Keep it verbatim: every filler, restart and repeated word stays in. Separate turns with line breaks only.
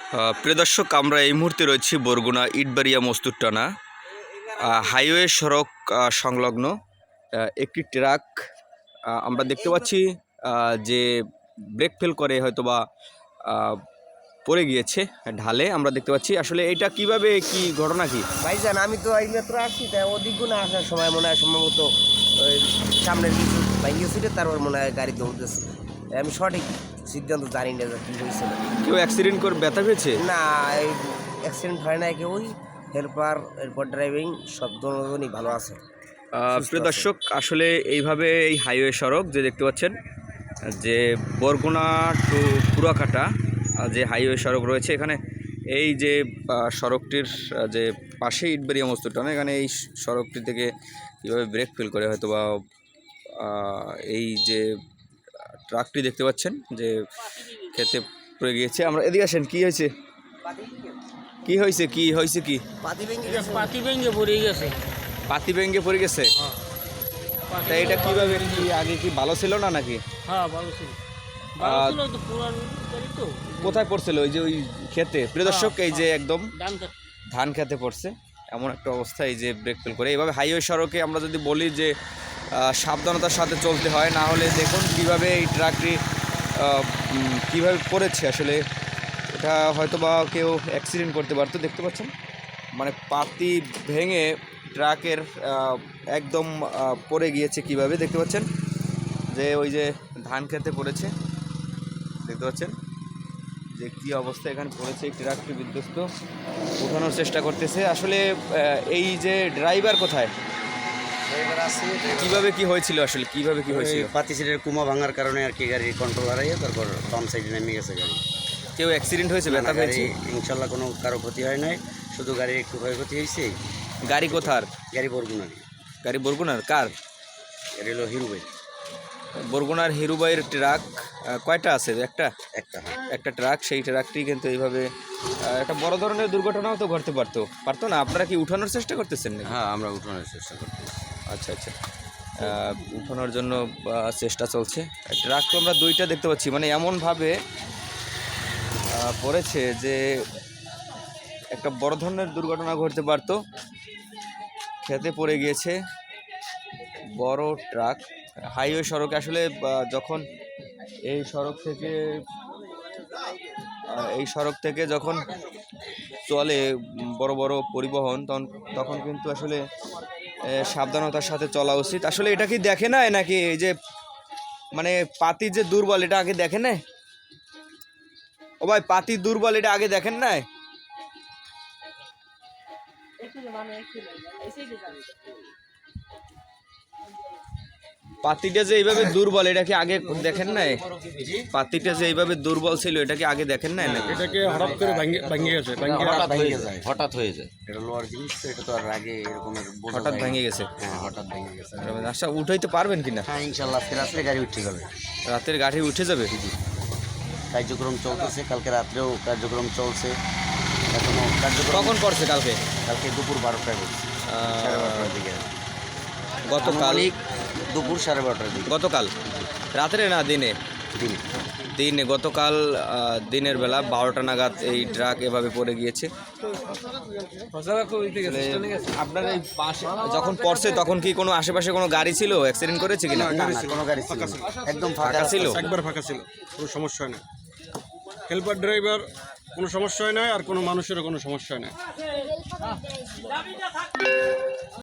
আহ, প্রিয় দর্শক, আমরা এই মুহূর্তে রয়েছি বরগুনা ইটবাড়িয়া মস্তুরটানা আহ, হাইওয়ে সড়ক আহ, সংলগ্ন আহ, একটি ট্রাক আহ, আমরা দেখতে পাচ্ছি আহ, যে ব্রেক ফেল করে হয়তোবা আহ, পড়ে গিয়েছে ঢালে। আমরা দেখতে পাচ্ছি আসলে এটা কিভাবে কি ঘটনা কি
ভাইজান, আমি তো এই মাত্র আসছি, তাই ওদিক না আসার সময় মনে হয় সম্ভবত ওই সামনের কিছু ভাইঙ্গে ছিল, তারপর মনে হয় গাড়ি দৌড়তেছে। আমি সঠিক সিদ্ধান্ত জানি না যে কী হয়েছিল।
কেউ অ্যাক্সিডেন্ট করে ব্যথা পেয়েছে?
না, এই অ্যাক্সিডেন্ট হয় না কেউই। হেল্পার, এরপর ড্রাইভিং সব দুজনই ভালো আছে।
আহ, প্রিয় দর্শক, আসলে এইভাবে এই হাইওয়ে সড়ক যে দেখতে পাচ্ছেন, যে বরগুনা টু পুরাকাটা যে হাইওয়ে সড়ক রয়েছে, এখানে এই যে আহ, সড়কটির আহ, যে পাশে ইটবাড়িয়া মস্তুরটানা, এখানে এই সড়কটি থেকে কীভাবে ব্রেক ফেল করে হয়তো বা আহ, এই যে ট্রাকটি দেখতে পাচ্ছেন যে খেতে পড়ে গিয়েছে। আমরা এদিকে আসেন, কি হয়েছে কি হয়েছে কি হয়েছে কি
পাতি ভেঙে গেছে।
পাতি ভেঙে পড়ে গেছে।
পাতি ভেঙে পড়ে গেছে? তা এটা কিভাবে, কি আগে কি ভালো ছিল না নাকি?
হ্যাঁ, ভালো ছিল। ভালো ছিল তো, পুরান গাড়ি তো।
কোথায় পড়ছিল? ওই যে ওই ক্ষেতে? প্রিয় দর্শক, এই যে একদম
ধান কাট-
ধান খেতে পড়ছে এমন একটা অবস্থা, এই যে ব্রেক ফেল করে। এইভাবে হাইওয়ে সড়কে আমরা যদি বলি যে আহ, সাবধানতার সাথে চলতে হয়, না হলে দেখুন কিভাবে এই ট্রাকটি আহ, উম, কিভাবে পড়েছে। আসলে এটা হয়তো বা কেউ অ্যাক্সিডেন্ট করতে পারতো। দেখতে পাচ্ছেন মানে পাতি ভেঙে ট্রাকের আহ, একদম আহ, পড়ে গিয়েছে কিভাবে, দেখতে পাচ্ছেন যে ওই যে ধান খেতে পড়েছে। দেখতে পাচ্ছেন যে কী অবস্থা এখানে পড়েছে, এই ট্রাকটি বিধ্বস্ত, উঠানোর চেষ্টা করতেছে। আসলে আহ, এই যে ড্রাইভার কোথায়, কিভাবে কি হয়েছিল, আসলে কিভাবে কি হয়েছিল?
পাতি সিটের কুমা ভাঙার কারণে আর কি গাড়ির কন্ট্রোল হারাইয়ে তারপর বাম সাইডে নেমে গেছে গাড়ি।
কেউ অ্যাক্সিডেন্ট হয়েছে, ব্যথা
গাড়ি
পেয়েছে?
ইনশাল্লাহ কোনো কারো ক্ষতি হয় নাই, শুধু গাড়ির একটু ক্ষয়ক্ষতি হয়েছে।
গাড়ি কোথার?
গাড়ি বরগুনার,
গাড়ি বরগুনার? কার?
গাড়ি হলো হিরো বাইক
বরগুনার হিরুবাইয়ের ট্রাক আহ, কয়টা আছে? একটা
একটা।
একটা ট্রাক, সেই ট্রাকটি কিন্তু এইভাবে আহ, একটা বড় ধরনের দুর্ঘটনাও তো ঘটতে পারতো পারতো না? আপনারা কি উঠানোর চেষ্টা করতেছেন নাকি?
হ্যাঁ, আমরা উঠানোর চেষ্টা করছি।
আচ্ছা আচ্ছা, আহ, উঠানোর জন্য আহ, চেষ্টা চলছে। ট্রাক তো আমরা দুইটা দেখতে পাচ্ছি, মানে এমনভাবে আহ, পড়েছে যে একটা বড় ধরনের দুর্ঘটনা ঘটতে পারতো। খেতে পড়ে গিয়েছে বড় ট্রাক হাইওয়ে সড়কে। আসলে আহ, যখন এই সড়ক থেকে আহ, এই সড়ক থেকে যখন চলে উম, বড় বড় পরিবহন, তখন তখন কিন্তু আসলে আহ, সাবধানতার সাথে চলা উচিত। আসলে এটা কি দেখে না নাকি এই যে মানে পাতি যে দুর্বল, এটা আগে দেখেন না? ও ভাই, পাতি দুর্বল, এটা আগে দেখেন না? পাতিটা যে এইভাবে দুর্বল, এটা কি আগে দেখেন নাই? পাতিটা যে এইভাবে দুর্বল ছিল, এটা কি আগে দেখেন নাই নাকি?
এটাকে হঠাৎ করে ভেঙে ভেঙে গেছে
হঠাৎ হয়ে যায়, হঠাৎ হয়ে যায়। এটা লোয়ার জিনিস তো, এটা তো আর আগে এরকমের বোঝা
হঠাৎ
যায় না।
ভেঙে গেছে?
হ্যাঁ, হঠাৎ ভেঙে গেছে।
আচ্ছা, উঠাইতে পারবেন কিনা?
হ্যাঁ, ইনশাল্লাহ আজকে রাত্রে গাড়ি উঠে যাবে।
রাতের গাড়ি উঠে যাবে?
কার্যক্রম চলতেছে, কালকে রাত্রেও কার্যক্রম চলছে, এখনো কার্যক্রম।
কখন পড়ছে কালকে?
কালকে দুপুর বারোটায় বলছে, সাড়ে বারোটার দিকে।
গতকাল?
আনুমানিক দুপুর সাড়ে বারোটার দিকে।
গতকাল রাত্রে না দিনে?
দিনে।
দিনে, গতকাল আহ, দিনের বেলা বারোটা নাগাদ এই ট্রাক এভাবে পড়ে গিয়েছে। আপনার এই পাশে যখন পড়ছে তখন কি কোনো আশেপাশে কোনো গাড়ি ছিল, অ্যাক্সিডেন্ট করেছে কিনা?
না, না, কোনো গাড়ি ছিল না। একদম ফাঁকা
ফাঁকা ছিল?
একবার ফাঁকা ছিল, কোনো সমস্যা হয় না। হেল্পার ড্রাইভার কোনো সমস্যা হয় না, আর কোনো মানুষেরও কোনো সমস্যা হয় না।